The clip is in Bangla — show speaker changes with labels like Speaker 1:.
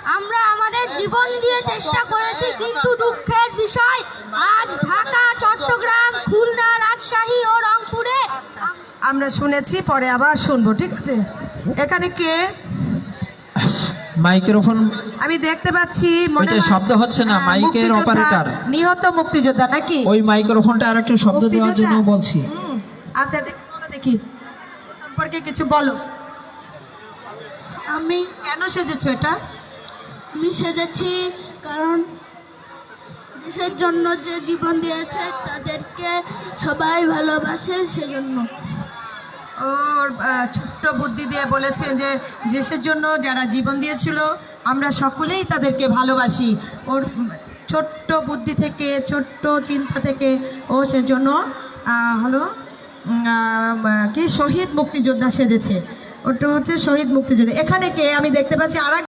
Speaker 1: আমরা আমাদের জীবন দিয়ে চেষ্টা করেছি, কিন্তু দুঃখের বিষয় আজ ঢাকা, চট্টগ্রাম, খুলনা, রাজশাহী ও রংপুরে
Speaker 2: আমরা শুনেছি, পরে আবার শুনবো, ঠিক আছে? এখানে কে?
Speaker 3: মাইক্রোফোন
Speaker 2: আমি দেখতে পাচ্ছি মনে
Speaker 3: ওইটা
Speaker 2: হয়
Speaker 3: শব্দ হচ্ছে না, মাইকের
Speaker 2: মুক্তিযোদ্ধা,
Speaker 3: অপারেটর।
Speaker 2: নিহত মুক্তিযোদ্ধা নাকি?
Speaker 3: ওই মাইক্রোফোনটা আর একটু শব্দ দেওয়ার জন্য
Speaker 2: মুক্তিযোদ্ধা?
Speaker 3: বলছি।
Speaker 2: আচ্ছা দেখি সম্পর্কে কিছু বলো।
Speaker 1: আমি
Speaker 2: কেন সেজেছো এটা?
Speaker 1: সেজেছি কারণ দেশের জন্য যে জীবন দিয়েছে তাদেরকে সবাই ভালোবাসে, সেজন্য।
Speaker 2: ওর ছোট্ট বুদ্ধি দিয়ে বলেছে যে দেশের জন্য যারা জীবন দিয়েছিল আমরা সকলেই তাদেরকে ভালোবাসি। ওর ছোট্ট বুদ্ধি থেকে, ছোট্ট চিন্তা থেকে ও সেজন্য হলো কি শহীদ মুক্তিযোদ্ধা সেজেছে। ওটা হচ্ছে শহীদ মুক্তিযোদ্ধা। এখানে কে? আমি দেখতে পাচ্ছি আর